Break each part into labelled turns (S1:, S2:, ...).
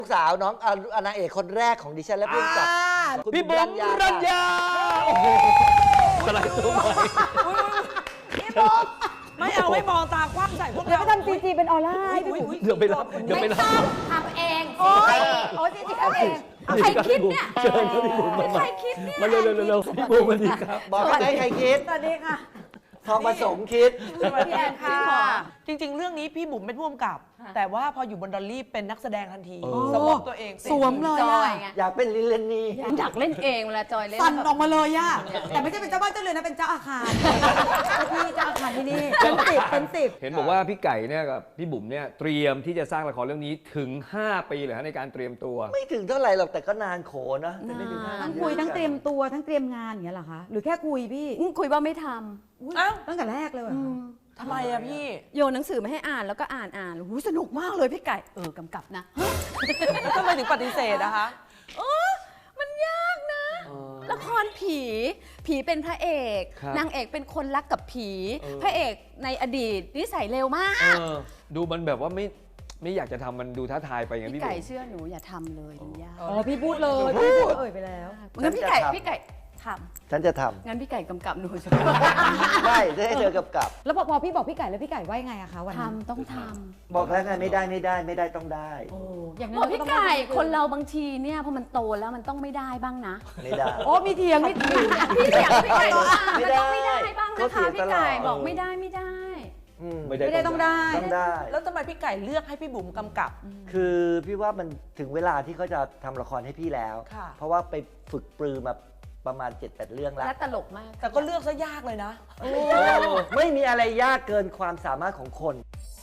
S1: ลูกสาวน้องนางเอกคนแรกของดิฉันและเพื่อนกับ
S2: พี่บุ๋มรัญญาโอ้โหสไลด์ตัวใหม่
S3: พี่บุ๋มไม่มองตากว้างใส่พวกเรา
S4: ไปทำซีจีเป็นออร่าให้พี่บุ๋ม
S2: เดี๋ยวไปรับ
S5: ไม่ต้องทำเองโอ้ซีจีทำเองใครคิดเนี่ย
S2: เชิญครับพี่บุ๋มมา
S5: ใครคิดเนี่ย
S2: มาเร็วพี่บุ๋มสวัสดีครับ
S1: บอกได้ใครคิด
S4: สวัสดีค่ะ
S1: ทองผสมคิด
S3: สวัสดีค่ะจริงๆ เรื่องนี้พี่บุ๋มเป็นผู้กำกับ แต่ว่าพออยู่บนดอลลี่เป็นนักแสดงทันทีสมองตัวเอง
S4: สวมเลย
S5: จ
S4: อะ
S5: อยไง
S1: อยากเป็นลิลเลนนี่
S5: อยากเล่นเองเวลาจอยเล่น
S4: สั่นออกมาเลยอะแต่ไม่ใช่เป็นเจ้าบ้านเจ้าเรือนนะเป็นเจ้าอาคารที่เจ้าอาคารที่นี่เป็นสิบ
S2: เห็นบอกว่าพี่ไก่เนี่ยกับพี่บุ๋มเนี่ยเตรียมที่จะสร้างละครเรื่องนี้ถึง 5 ปีเลยฮะในการเตรียมตัว
S1: ไม่ถึงเท่าไหร่หรอกแต่ก็นานโขนะแต่ไม่ถึง
S4: ทั้งคุยทั้งเตรียมตัวทั้งเตรียมงานอย่างเงี้ยเหรอคะหรือแค่คุยพี่
S5: คุยว่าไม่ท
S3: อ้าว
S4: ตั้งแต่แรกเลยเหรอ
S5: ำ
S3: ทำไมอะพี่
S5: โยนหนังสือมาให้อ่านแล้วก็อ่านหูสนุกมากเลยพี่ไก่กำกับนะ
S3: ทำไมถึงปฏิเสธนะคะ
S5: มันยากนะ ละครผีเป็นพระเอก
S2: ครับ
S5: นางเอกเป็นคนรักกับผี พระเอกในอดีตนิสัยเร็วมาก
S2: ดูมันแบบว่าไม่อยากจะทำมันดูท้าทายไปอย่าง
S5: พี่
S2: พี่
S5: ไก่
S2: บุ๋ม
S5: เชื่อหนูอย่าทำเลยมันยาก
S4: อ๋อพี่พูดเลยพี่พูดเอ่ยไปแล้ว
S5: งั้นพี่ไก่ท
S1: ฉันจะท
S5: ำงั้นพี่ไก่กำกับหนู
S1: ำได้จะให้เธอกับ
S4: แล้วพอพี่บอกพี่ไก่แล้วพี่ไก่ว่ายังไงอะคะวันนั้น
S5: ทำต้องท
S1: บอกแล้วไงไม่ได้ต้องได้
S4: โอ้อย่าง
S5: ำ
S4: นั้
S5: บ
S4: น
S5: อก
S4: เราก็
S5: พี่
S4: ต้อง
S5: ไก่คนเราบางทีเนี่ยพอมันโตแล้วมันต้องไม่ได้บ้างนะ
S1: ไม่ได้
S4: โอ้มีเถียงมี
S5: พี่เสียงพี่ไก่ว่ามัน
S1: ไม่ได้
S5: ต้องไม่ได้บ้าง
S1: ก็
S5: นะ
S1: เถี
S5: คะ
S1: ยง
S5: พี่
S1: ตลอด
S5: ไก่บอกไม่ได้
S1: อืม
S2: ไม่
S4: ไม่ได้ต้องได้
S1: ต้องได้
S3: แล้วทำไมพี่ไก่เลือกให้พี่บุ๋มกำกับ
S1: คือพี่ว่ามันถึงเวลาที่เขาจะทำละครให้พี่แล้ว
S3: ค่ะ
S1: เพราะว่าไปฝึกปรือมาประมาณ 7-8 เรื่องแล้ว
S5: และตลกมาก
S3: แต่ก็เลือกซะยากเลยนะ
S1: ไม่มีอะไรยากเกินความสามารถของคน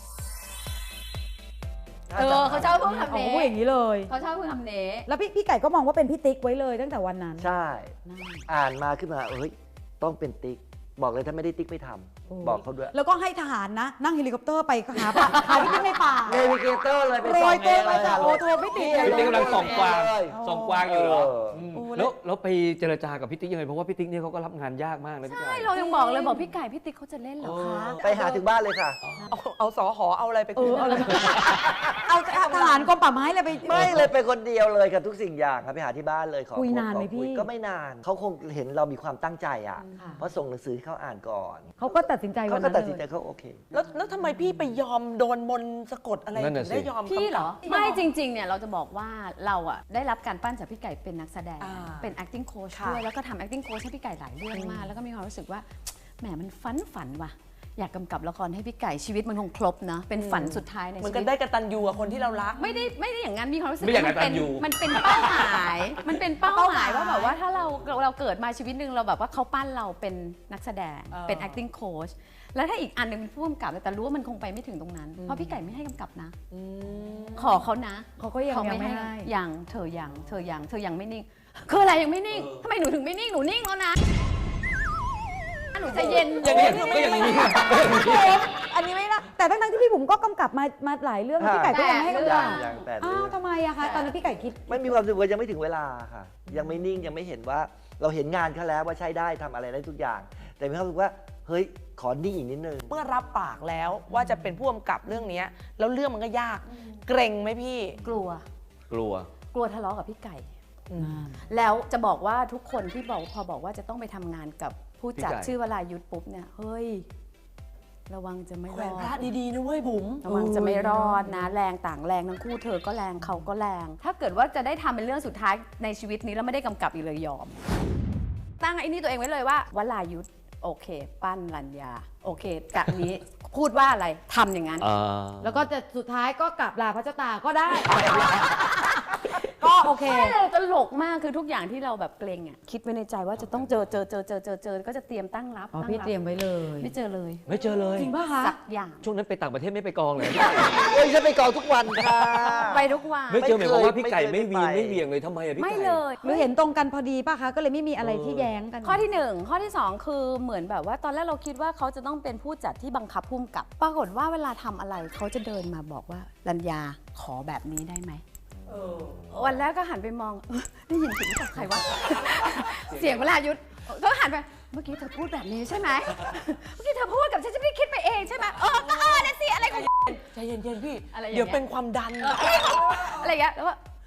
S5: เขาชอบพูดคำ
S4: อ๋อ
S5: นี้
S4: พูดอย่างนี้เลย
S5: เขาชอบพูดคำนี้
S4: แล้วพี่ไก่ก็มองว่าเป็นพี่ติ๊กไว้เลยตั้งแต่วันนั้น
S1: ใช่ อ่านมาขึ้นมาต้องเป็นติ๊ก บอกเลยถ้าไม่ได้ติ๊กไม่ทำบอกเขาด้วย
S4: แล้วก็ให้ทหารนะ นั่งเฮลิคอปเตอร์ไปหาพี่ติ๊กในป่า
S1: เนวิเกเตอร์เลยไป
S4: โร
S1: ส่อง
S4: ยตัว
S1: เอง
S4: ไป
S1: เลย
S4: จ้ะโอ้โทรไม่ติด
S2: พี่ติ๊กกำลังส่องกวาง
S1: เลย
S2: ส่องกวางอยู่เหรอ
S4: โอ้
S2: แล้วไปเจรจากับพี่ติ๊กยังไงเพราะว่าพี่ติ๊กเนี่ยเขาก็รับงานยากมากนะพี่ไก่
S5: ใช่เรายังบอกเลยบอกพี่ไก่พี่ติ๊กเขาจะเล่นเหรอคะ
S1: ไปหาถึงบ้านเลยค่ะ
S3: เอาสอหอเอาอะไรไป
S4: เอ
S3: คืน
S4: อเอาทหารกรมป่าไม้เลยไป
S1: ไม่เลยไปคนเดียวเลยกับทุกสิ่งอย่างครับไปหาที่บ้านเลยขอ
S4: คุยนานไหม
S1: ขอ
S4: พี่
S1: ก็ไม่นานเขาคงเห็นเรามีความตั้งใจอ่ะ
S4: ค่ะ
S1: เพราะส่งหนังสือให้เขาอ่านก่อน
S4: เขาก็ตัดสินใจวั
S1: เขา
S4: น
S1: ก็
S4: นั้น
S1: ตัดสิน
S4: เล
S1: ใจ
S4: ย
S1: เขาโอเค
S3: แล้วทำไมพี่ไปยอมโดนมนต์สะกดอะไร
S2: นั่น
S3: ถึ
S2: น่ะ
S3: ง
S2: สิ
S3: ได้ยอม
S5: พี่เหรอ
S3: กำกับ
S5: ไม่จริงๆเนี่ยเราจะบอกว่าเราอะได้รับการปั้นจากพี่ไก่เป็นนักแสดง
S3: อ่า
S5: เป็น acting coach
S3: ค่ะ
S5: ด้วยแล้วก็ทำ acting coach ให้พี่ไก่หลายเรื่องมาก แล้วก็มีความรู้สึกว่าแหมมันฝันว่ะอยากกำกับละครให้พี่ไก่ชีวิตมันคงครบนะเป็นฝันสุดท้ายใน
S3: เหมือน
S5: ชี
S3: กั
S5: วิ
S3: น
S5: ต
S3: ได้กระตันยูกับคนที่เรารัก
S5: ไม่ได้อย่างนั้นมีความรู้สึก
S2: ไม่อยาก
S5: ว่
S2: กตัญญู
S5: มันเป็นเป้าหมายมันเป็นเป้าหมายว่าแบบว่าถ้าเราเกิดมาชีวิตหนึ่งเราแบบว่าเขาปั้นเราเป็นนักแสดงเป็น acting coach แล้วถ้าอีกอันหนึงเป็นผู้กำกับแต่รู้ว่ามันคงไปไม่ถึงตรงนั้น เพราะพี่ไก่ไม่ให้กำกับนะ ขอเขานะ
S4: เขาก็ยังไม่ให้
S5: อย่างเธอยังไม่นิ่งคืออะไรยังไม่นิ่งทำไมหนูถึงไม่นิ่งหนูนิ่งแล้วนะหนูใจเย็น
S3: อย่างนี้คือไม่
S2: ก็อย่างนี้
S4: อันนี้ไม่นะแต่ทั้งที่พี่บุ๋มก็กำกับมาหลายเรื่องแล้วพี่ไก่ก็ยังไม่ให้กำกับ
S1: อย่างแปด
S4: อ้า
S1: เรื่
S4: ว
S1: อง
S4: ทำไมอะคะตอนนั้นพี่ไก่คิด
S1: ไม่มีความรู้สึกว่ายังไม่ถึงเวลาค่ะ ยังไม่นิ่งยังไม่เห็นว่าเราเห็นงานเขาแล้วว่าใช้ได้ทำอะไรได้ทุกอย่าง แต่มีความรู้สึกว่าเฮ้ยขอนิ่งอีกนิดนึง
S3: เมื่อรับปากแล้วว่าจะเป็นผู้กำกับเรื่องนี้แล้วเรื่องมันก็ยาก เกรงไหมพี่
S5: กลัว
S2: กลัว
S5: ทะเลาะกับพี่ไก่ แล้วจะบอกว่าทุกคนที่พอบอกว่าจะต้องไปทำงานกับผู้จัด
S2: พี่ไก่
S5: ชื่อวรายุทธปุ๊บเนี่ยเฮ้ยระวังจะไม่
S3: แข
S5: ร
S3: วน
S5: อ
S3: พระ
S5: ด
S3: ดีๆนะเว้ยบุ๋ม
S5: ระวังจะไม่รอดนะแรงต่างแรงทั้งคู่เธอก็แรงเขาก็แรง ถ้าเกิดว่าจะได้ทำเป็นเรื่องสุดท้ายในชีวิตนี้แล้วไม่ได้กำกับอีกเลยยอม ตั้งไอ้นี่ตัวเองไว้เลยว่าวรายุทธโอเค ปั้นรัญญาโอเคจากนี้ พูดว่าอะไรทำอย่างนั้น
S4: แล้วก็จะสุดท้ายก็กลับลาพระเจ้าตาก็ได้ ก็โอเค
S5: ใช่เลยตลกมากคือทุกอย่างที่เราแบบเกรงอ่ะคิดไว้ในใจว่าจะต้องเจอก็จะเตรียมตั้งรับ
S4: อ๋อ
S5: ตั้ง
S4: พี่
S5: รับ
S4: เตรียมไว้เลย
S5: ไม่เจอเลย
S2: ไม่เจอเลย
S4: จริงป่ะคะ
S5: สักอย่าง
S2: ช่วงนั้นไปต่างประเทศไม่ไปกองเลย
S1: โอ้ยฉันไปกองทุกวันค่ะ
S5: ไปทุกวัน
S2: ไม่เจอหมายความว่าพี่ไก่
S1: ไม่
S2: ไม่
S1: เคย
S2: วีนไม่เหวี่ยงเลยทำไมอะพี่ไก่
S5: ไม่เลย
S4: หรือเห็นตรงกันพอดีป่ะคะ ก็เลยไม่มีอะไรที่แย้งกัน
S5: ข้อที่1ข้อที่2คือเหมือนแบบว่าตอนแรกเราคิดว่าเขาจะต้องเป็นผู้จัดที่บังคับพุ่มกับ ปรากฏว่าเวลาทำอะไรเขาจะเดินมาบอกว่ารัญญาขอแบบนี้ได้ไหมวันแรกก็หันไปมองได้ยินเสียงจากใครวะ เสียงวรายุทธก็หันไปเมื่อกี้เธอพูดแบบนี้ใช่ไหมเมื่อกี้เธอพูดกับฉันไม่ได้คิดไปเองใช่ไหมก็นั่นสิอะไรของ
S3: ใจเย็นๆพี่
S5: อะไรอย่างเงี้ย
S3: เดี๋ยวเป็นความดัน
S5: อะไรอย่างเงี้ยแล้วก็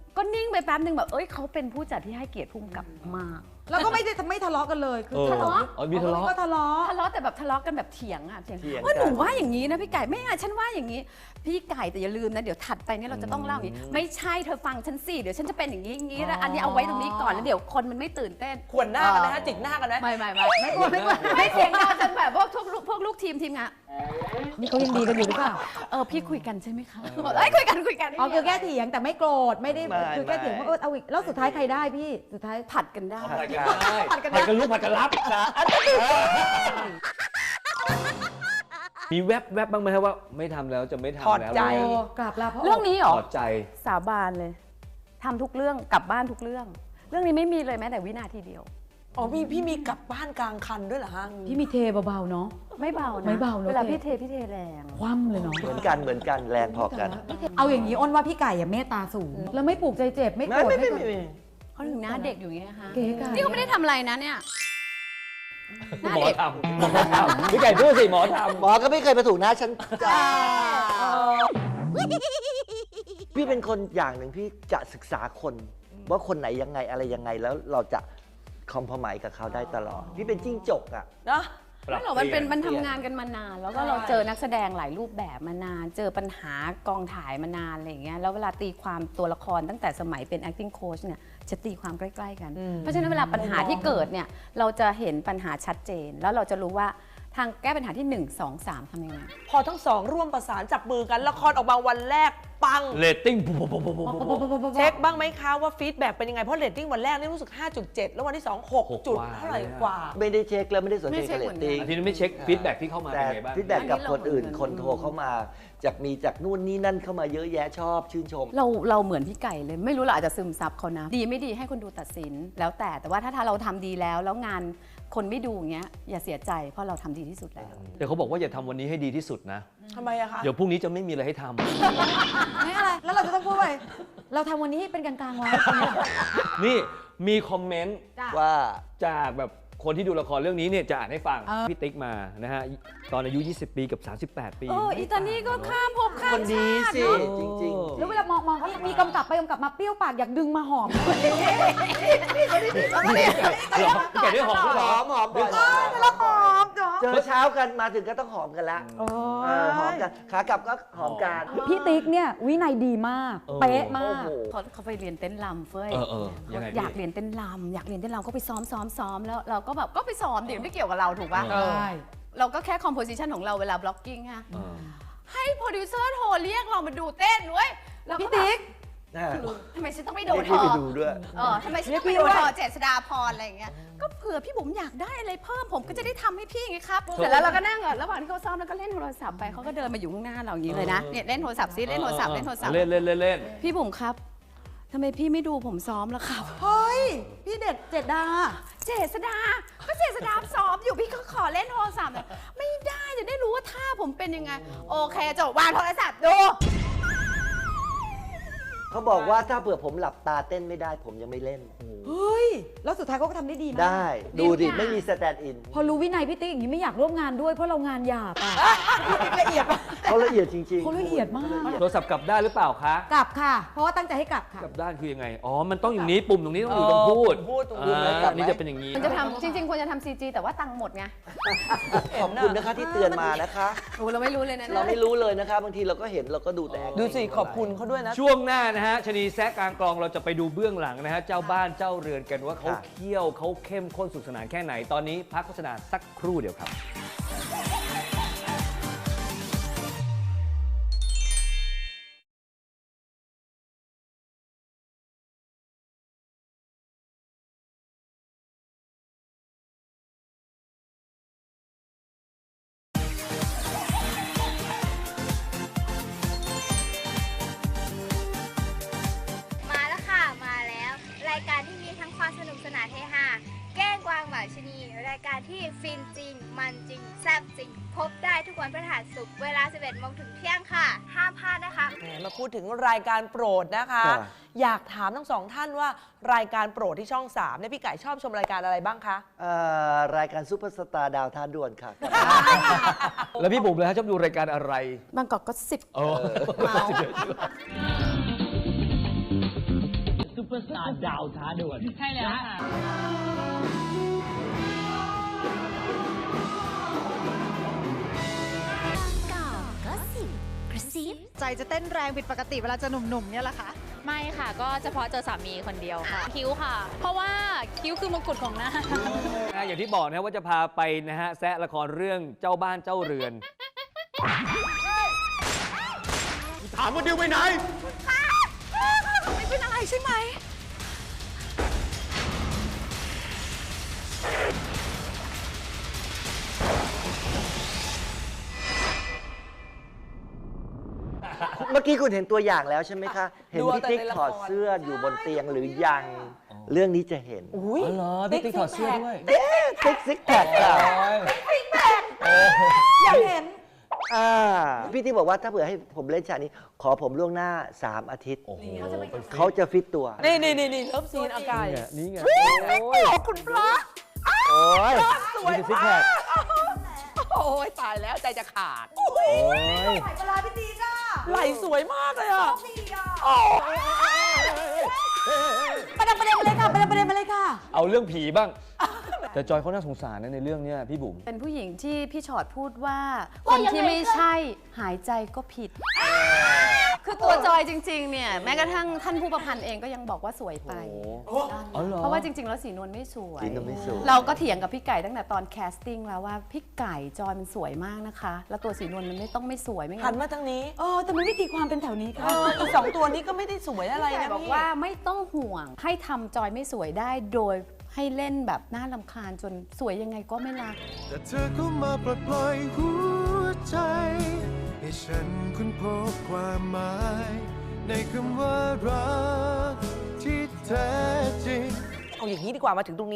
S5: ก็นิ่งไปแป๊บนึงแบบเอ้ยเขาเป็นผู้จัดที่ให้เกียรติพุ่มกับมาก
S4: แล้วก็ไม่ทะเลาะกันเลยคือ
S5: ทะเลาะ
S2: อ๋อมีทะเลาะ
S4: ก็ทะเลาะ
S5: ทะเลาะแต่แบบทะเลาะกันแบบเถียงอ่ะเถียง
S1: เถียง
S5: ว่าหนู
S1: กัน
S5: ว่าอย่างนี้นะพี่ไก่ไม่อ่ะฉันว่าอย่างนี้ พี่ไก่แต่อย่าลืมนะเดี๋ยวถัดไปเนี่ยเราจะต้องเล่าอย่างนี้ไม่ใช่เธอฟังฉันสิเดี๋ยวฉันจะเป็นอย่างนี้อย่างนี้แล้วอันนี้เอาไว้ตรงนี้ก่อนแล้วเดี๋ยวคนมันไม่ตื่นเต้น
S3: ขวนหน้ากันนะฮะจิกหน้ากันไหม
S5: ไม่กลัวไม่เถียงกันจนแบบพวกลูกทีมงาน
S4: นี่เขายังดีกันอยู่หรือเปล่า
S5: พี่คุยกันใช่ไหมคะบอกเอ้ยคุยกัน
S4: อ๋อคือแค่เถียงแต่ไม่โกรธไม่ได้คือแค่เถียงว่าเอาอีกแล้วสุดท้ายใครได้พี่สุดท้าย
S5: ผัดกันได้
S2: ผัดกันลูกผัดกันรับมีแวบบ้างไหมครับว่าไม่ทำแล้วจะไม่ทำ
S3: ถอด
S2: แล้ว
S3: ใจ
S4: โอ้กราบลาพระ
S5: เรื่องนี้เหรอ
S2: ถอดใจ
S5: สาบานเลยทำทุกเรื่องกลับบ้านทุกเรื่อง เรื่องนี้ไม่มีเลยแม้แต่วินาทีเดียว
S3: อ๋อพี่มีกลับบ้านกลางคันด้วยเหรอฮะ
S4: พี่มีเทเบาๆเนาะ
S5: ไม่เบานะ
S4: ไม่เบาเนอะ
S5: เวลาพี่เทแรง
S4: คว่ำเลยเนาะ
S1: เหมือนกันแรงพอกัน
S4: เอาอย่างนี้อ้นว่าพี่ไก่อย่าเมตตาสูง แล้วไม่ปลูกใจเจ็บไม่โกรธ
S1: ไม่
S5: เขาถึงหน้าเด็กอยู่อย่างเงี้ยค่ะ
S4: เก๋ไก่
S5: นี่เขาไม่ได้ทำอะไรนะเนี่ยหน้า
S2: หมอ
S5: เด็ก
S2: ทำพี่ไก่พูดสิหมอทำ
S1: หมอก็ไม่เคยมาถูกหน้าฉันจ้าพี่เป็นคนอย่างหนึ่งพี่จะศึกษาคนว่าคนไหนยังไงอะไรยังไงแล้วเราจะคอมพมายกับเขาได้ตลอดพี่เป็นจิ้งจกอ่ะ
S3: เนอะ
S5: ไม่หรอกมันทำงานกันมานาน แล้วก็เราเจอนักแสดงหลายรูปแบบมานาน เจอปัญหากองถ่ายมานานอะไรอย่างเงี้ยแล้วเวลาตีความตัวละครตั้งแต่สมัยเป็น acting coach เนี่ยจะตีความใกล้ๆกัน เพราะฉะนั้นเวลาปัญหาที่เกิดเนี่ยเราจะเห็นปัญหาชัดเจน แล้วเราจะรู้ว่าทางแก้ปัญหาที่ 1 2 3ทำยังไง
S3: พอทั้งสองร่วมประสานจับมือกันละครออกมาวันแรกปัง
S2: เรตติ้ง
S3: เช็คบ้างไหมคะว่าฟีดแบ็กเป็นยังไง เพราะเรตติ้งวันแรกนี่รู้สึก 5.7 แล้ววันที่ 2 6 จุดเท่าไหร่กว่า
S1: ไม่ได้เช็คแล้วไม่ได้สนใจ
S5: ไม่เช็ค
S1: เร
S5: เหมื
S1: ต
S5: อนกัน
S1: ติ้ง
S2: อาทิตย์นี้ไม่เช็คฟีดแบ็กที่เข้ามา
S1: แต่
S2: เป็นไงบ้าง
S1: ฟีดแบ็กกับคนอื่น
S5: อันนี้เรา
S1: คนโทรเข้ามาจากนู่นนี่นั่นเข้ามาเยอะแยะชอบชื่นชม
S5: เราเหมือนพี่ไก่เลยไม่รู้เราอาจจะซึมซับเขานะ ดีไม่ดีให้คนดูตัดสินแล้วแต่ว่าถ้าเราทำดีแล้วงานคนไม่ดูอย่างเงี้ยอย่าเสียใจเพราะเราทำดีที่สุดแล้ว
S2: แต่เขาบอกว่าอย่าทำวันนี้ให้ดีที่สุดนะ
S3: ทำไมอะคะ
S2: เดี๋ยวพรุ่งนี้จะไม่มีอะไรให้ทำ
S4: ไม่อะไร แล้วเราจะต้องพูดว่าเราทำวันนี้ให้เป็นกลางๆไว้
S2: นี่มีคอมเมนต์
S1: ว่า
S2: จากแบบคนที่ดูละครเรื่องนี้เนี่ยจะอ่านให้ฟัง
S4: เออ
S2: พี่ติ๊กมานะฮะตอนอายุ 20 ปีกับ 38 ปี
S5: อีตานี่ก็ข้ามภพข้าม
S1: คนดีสิ จริง
S4: แล้วเวลามองเขามีกำกับไปกำกับมาเปรี้ยวปากอยากดึงมาหอม
S2: พี่ไก่ได้หอมด้วย
S1: ๆ
S2: เห
S1: ห
S2: รอ
S1: อมบ่อย
S4: แล้วหอมเนาะ
S1: เจอเช้ากันมาถึงก็ต้องหอมกันละหอมกันขากลับก็หอมกัน
S4: พี่ติ๊กเนี่ยวินัยดีมาก เป๊ะมาก
S1: โอ้โห
S5: เขาไปเรียนเต้นรำเฟ้ย
S2: ยังไง
S5: อยากเรียนเต้นรำอยากเรียนเต้นรำก็ไปซ้อมแล้วเราก็แบบก็ไปซ้อมเดี๋ยวไม่เกี่ยวกับเราถูกปะ
S3: เออ
S5: เราก็แค่คอมโพสิชันของเราเวลาบล็อกกิ้งฮะ
S2: เออ
S5: ให้โปรดิวเซอร์โทรเรียกเรามาดูเต้นเว้ยเราก็
S4: พี่ติ๊ก
S5: ทำไมฉันต้องไปดู
S1: เรียก
S5: เธ
S1: พี่
S5: อ
S1: ไปดูด้วย
S5: ทำไมฉันต้องไปดูเธอเจษฎาพรอะไรอย่างเงี้ยก็เผื่อพี่บุ๋มอยากได้อะไรเพิ่มผมก็จะได้ทำให้พี่ไงครับเสร็จแล้วเราก็นั่งระหว่างที่เขาซ้อมแล้วก็เล่นโทรศัพท์ไปเขาก็เดินมาอยู่ข้างหน้าเราอย่างนี้เลยนะเนี่ยเล่นโทรศัพท์ซิเล่นโทรศัพท์
S2: เล่น
S5: พี่บุ๋มครับทำไมพี่ไม่ดูผมซ้อมล่ะครับ
S4: เฮ้ย พี่เด็ดเจ็ดดา
S5: เจษดาก็เจษดาซ้อมอยู่พี่ก็ขอเล่นโทรศัพท์ไม่ได้จะได้รู้ว่าท่าผมเป็นยังไง โอเคจบวางโทรศัพท์ดู
S1: เขาบอกว่าถ้าเผื่อผมหลับตาเต้นไม่ได้ผมยังไม่เล่น
S4: เฮ้ย แล้วสุดท้ายเขาก็ทำได้ดีมาก
S1: ได้ ดูดิ ไม่มีสแตนด์อิน
S4: พอรู้วินัยพี่ติ๊กอย่างนี้ไม่อยากร่วมงานด้วยเพราะเรางานหยาบอะละเอียดมาก
S1: เขาละเอียดจริงๆ
S4: เขาละเอียดมาก
S2: โทรศัพท์กลับได้านหรือเปล่าคะ
S4: กลับค่ะ เพราะว่าตั้งใจให้กลับค่ะ
S2: กลับด้านคือยังไงอ๋อมันต้องอย่างนี้ปุ่มตรงนี้ต้องอยู่ตรงพูด
S3: พูดตรงพูด
S2: นี่จะเป็นอย่างนี้
S5: มันจะทำจริงๆควรจะทำ CG แต่ว่าตังค์หมดไง
S1: ขอบคุณนะคะที่เตือนมานะคะ
S5: โอ้เราไม่รู้เลยนะ
S1: เราไม่รู้เลยนะคะ บางทีเราก็เห็นเราก็ดูแต่
S3: ดูสิขอบคุณเขาด้วยนะ
S2: ช่วงหน้านะฮะชนีแซะกลางกลองเราจะไปดูเบื้องหลังนะฮะเจ้าบ้านเจ้าเรือนกันว่าเขาเคี่ยวเขาเข้มข้นสุขสนานแค่ไหนตอนนี้พักโฆษณาสักครู่เดียวครับ
S6: มาแล้วค่ะ มาแล้ว รายการที่มีทั้งความสนุกสนานเฮฮาแกล้งกวางหมาชะนี รายการที่ฟินจริง มันจริง แซ่บจริง พบได้ทุกวันพฤหัสศุกร์เวลา 11 โมงถึงเที่ยงค่ะ ห้ามพลาดนะคะ
S3: มาพูดถึงรายการโปรดนะคะ
S1: ค่ะ
S3: อยากถามทั้งสองท่านว่ารายการโปรดที่ช่อง 3เนี่ยพี่ไก่ชอบชมรายการอะไรบ้างคะ
S1: รายการซุปเปอร์สตาร์ดาวท้าด่วนค่ะ
S2: แล้วพี่บุ๋มเลยฮะชอบดูรายการอะไร
S5: บางกอกก็10
S2: โอ้
S5: เมา
S2: เปอร์สตาร์ดาวท้าด่วน
S7: ใช่แล้วค่ะ
S8: ใจจะเต้นแรงผิดปกติเวลาจะหนุ่มๆเนี่ยแหละคะ
S7: ไม่ค่ะ ก็เฉพาะเจอสามีคนเดียวค่ะ คิ้วค่ะ เพราะว่าคิ้วคือมงกุฎของหน้า
S2: อย่างที่บอกนะว่าจะพาไปนะฮะแซะละครเรื่องเจ้าบ้านเจ้าเรือน
S9: ถามว่าดิวไปไหน
S8: ไม่เป็นอะไรใช่ไหม
S1: เมื่อกี้คุณเห็นตัวอย่างแล้วใช่ไหมคะ เห็น
S3: ดู
S1: พี่
S3: แต่
S1: ติ๊ก
S3: ในละคร
S1: ถอดเสื้ออยู่บนเตียงหรือยัง เรื่องนี้จะเห็น
S3: อุ้ย
S2: อ๋อเหรอพี่ติ๊กถอดเสื้อด้วย
S1: ติ๊กซิกแพคค่ะ
S4: อยากเห็น
S1: พี่ติ๊กบอกว่าถ้าเผื่อให้ผมเล่นฉากนี้ ขอผมล่วงหน้า 3 อาทิตย์
S2: โอ้โห
S1: เขาจะฟิตตัว
S3: นี่เลิฟซีนอากาศ
S2: นี่ไง
S3: คุณพระ
S1: โอ้ย
S3: สวย
S1: นี่คือซิกแพ
S3: มา
S1: ค
S3: กโอ้ยตายแล้วใจจะขาด
S1: โอ้ย
S4: ไหลเวลาพี่ตีก้า
S3: ไหลสวยมากเลยอ่ะ
S4: ประเด็นมาเลยค่ะประเด็นมาเลยค่ะ
S2: เอาเรื่องผีบ้าง แต่จอยเขาน่าสงสารนะในเรื่องเนี้ยพี่บุ๋ม
S5: เป็นผู้หญิงที่พี่ชอดพูดว่าคนที่ไม่ใช่หายใจก็ผิด คือตัวจอยจริงๆเนี่ยแม้กระทั่งท่านผู้ประพันธ์เองก็ยังบอกว่าสวยไป
S2: อ๋อเหรอ
S5: เพราะว่าจริงๆ แล้วสีนวลไม่สวย
S1: สีนวลไม่สวย
S5: เราก็เถียงกับพี่ไก่ตั้งแต่ตอนแคสติ้งแล้วว่าพี่ไก่จอยมันสวยมากนะคะ แล้วตัวสีนวลมันไม่ต้องไม่สวยไม่
S3: หั
S5: งั้
S3: น
S5: น
S3: มาทางนี้
S4: แต่มันไม่ตีความเป็นแถวนี้
S3: เอ
S4: ค่ะ
S3: อีกสองตัวนี้ก็ไม่ได้สวยอะไร
S5: พี่ไก่
S3: นะ
S5: บอก
S3: พี่
S5: ว่าไม่ต้องห่วงให้ทำจอยไม่สวยได้โดยให้เล่นแบบน่ารำคาญจนสวยยังไงก็ไม่รัก
S9: แต่เธอก็มาปลดปล่อยหัวใจ ให้ฉันค้นพบความหมาย ในคำว่ารักที่แท้จริง
S3: เอาอย่างนี้ดีกว่ามาถึงตรงนี้